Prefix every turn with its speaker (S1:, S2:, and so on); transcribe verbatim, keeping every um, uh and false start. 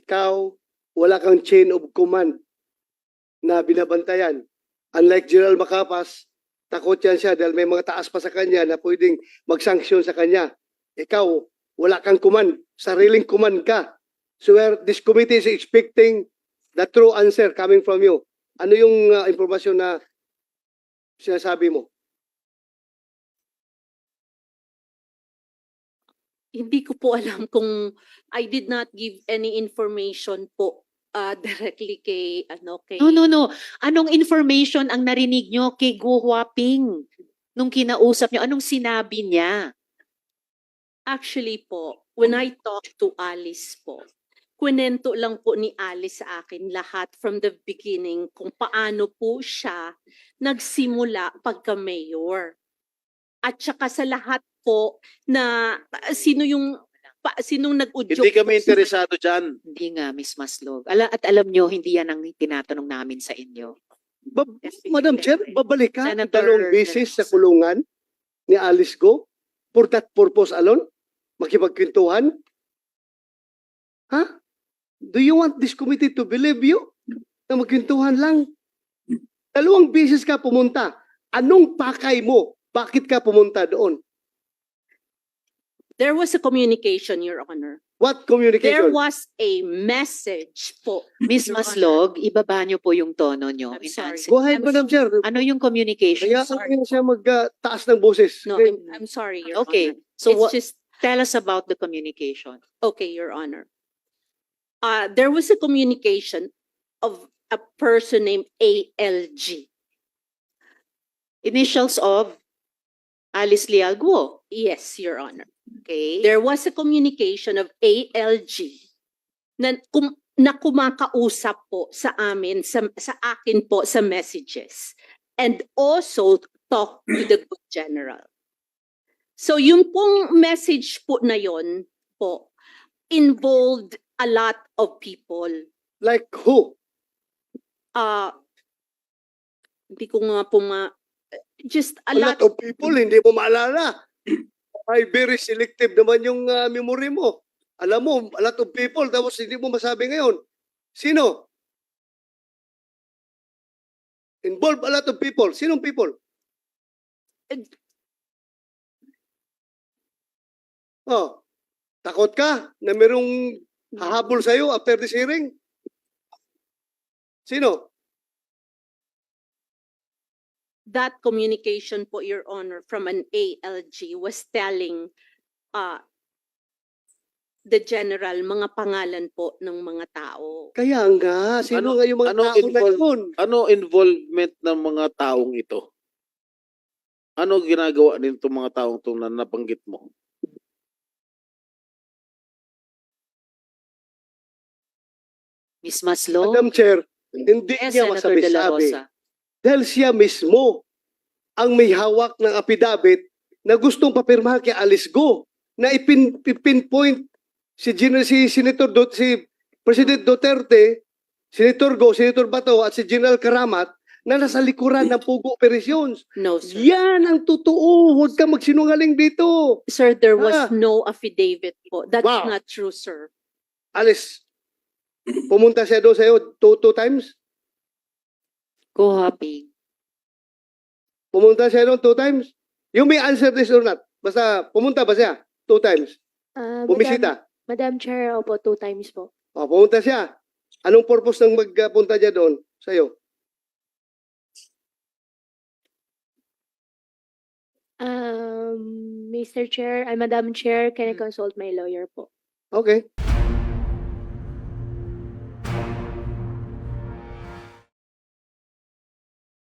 S1: ikaw, wala kang chain of command na binabantayan. Unlike General Macapas, takot yan siya dahil may mga taas pa sa kanya na pwedeng mag-sanction sa kanya. Ikaw, wala kang command. Sariling command ka. So where this committee is expecting the true answer coming from you. Ano yung uh, impormasyon na sinasabi mo?
S2: Hindi ko po alam kung I did not give any information po uh, directly kay ano kay
S3: No, no, no. Anong information ang narinig nyo kay Go Huaping nung kinausap nyo? Anong sinabi niya?
S2: Actually po, when I talked to Alice po, kwento lang po ni Alice sa akin lahat from the beginning kung paano po siya nagsimula pagka-mayor. At saka sa lahat po na uh, sino yung pa, sinong nag-udyok.
S4: Hindi kami
S2: po sa-
S4: interesado dyan.
S3: Hindi nga, Miss Maslog. Ala, at alam nyo, hindi yan ang tinatanong namin sa inyo.
S1: Ba- Madam Chair, babalik ka
S3: Senator
S1: dalawang beses sa
S3: Mendoza.
S1: kulungan ni Alice Go for that purpose alone? Makipagkwentuhan? Ha? Do you want this committee to believe you? Na magkwentuhan lang? Dalawang beses ka pumunta. Anong pakay mo? Bakit ka pumunta doon?
S2: There was a communication, Your Honor.
S1: What
S2: There
S1: communication?
S2: was a message po.
S3: Miss
S2: Your
S3: Maslog, ibaba nyo po yung tono nyo.
S2: I'm
S3: in
S2: sorry.
S3: answer.
S1: Go ahead,
S2: I'm
S1: Madam Chair.
S3: Ano yung communication?
S1: Kaya
S2: sorry.
S1: ano siya mag-taas ng boses.
S2: No, I'm, I'm sorry, Your
S3: Okay,
S2: Honor.
S3: so
S2: It's
S3: what,
S2: just,
S3: tell us about the communication.
S2: okay, Your Honor. Uh, there was a communication of a person named A L G.
S3: Initials of Alice Leal Guo.
S2: Yes, Your Honor.
S3: Okay.
S2: There was a communication of A L G na, kum, na kumakausap po sa amin, sa, sa akin po sa messages. And also talk to the good general. So yung pong message po na yon po involved a lot of people.
S1: Like who?
S2: Uh, hindi ko nga po ma... Just a,
S1: A lot of people, hindi mo maalala. Ay, very selective naman yung uh, memory mo. Alam mo, a lot of people, tapos hindi mo masabi ngayon. Sino? Involve a lot of people. Sinong people? Oh, takot ka na merong hahabol sa'yo after this hearing? Sino?
S2: That communication po, Your Honor, from an A L G was telling uh, the general mga pangalan po ng mga tao.
S1: Kaya nga, sino
S4: Ano-
S1: nga yung mga
S4: ano
S1: tao na
S4: involve-
S1: yun?
S4: Ano involvement ng mga taong ito? Ano ginagawa din itong mga taong ito na nabanggit mo?
S3: Miss Maslog.
S1: Madam Chair, hindi
S3: Yes,
S1: niya
S3: Senator De La
S1: masabi-sabi.
S3: Rosa.
S1: Dahil siya mismo ang may hawak ng apidabit na gustong papirmahan kay Alice Go na ipin, ipinpoint si, Gen- si Senator Do, si President Duterte, Senator Go, Senator Bato at si General Karamat na nasa likuran ng Pugo Operations.
S2: No, sir.
S1: Yan ang totoo. Huwag ka magsinungaling dito.
S2: Sir, there was
S1: Ah.
S2: no affidavit po. That's
S1: Wow.
S2: not true, sir.
S1: Alice, pumunta siya doon sa'yo two, two times?
S3: Go Huaping.
S1: Pumunta siya doon two times? You may answer this or not. Basta pumunta ba siya? Two times.
S5: Ah, Madam,
S1: Bumisita.
S5: Madam Chair, opo, two times po.
S1: O, pumunta siya. Anong purpose ng magpunta niya doon sa'yo?
S5: Um, Mister Chair, ay Madam Chair, can I consult my lawyer po?
S1: Okay.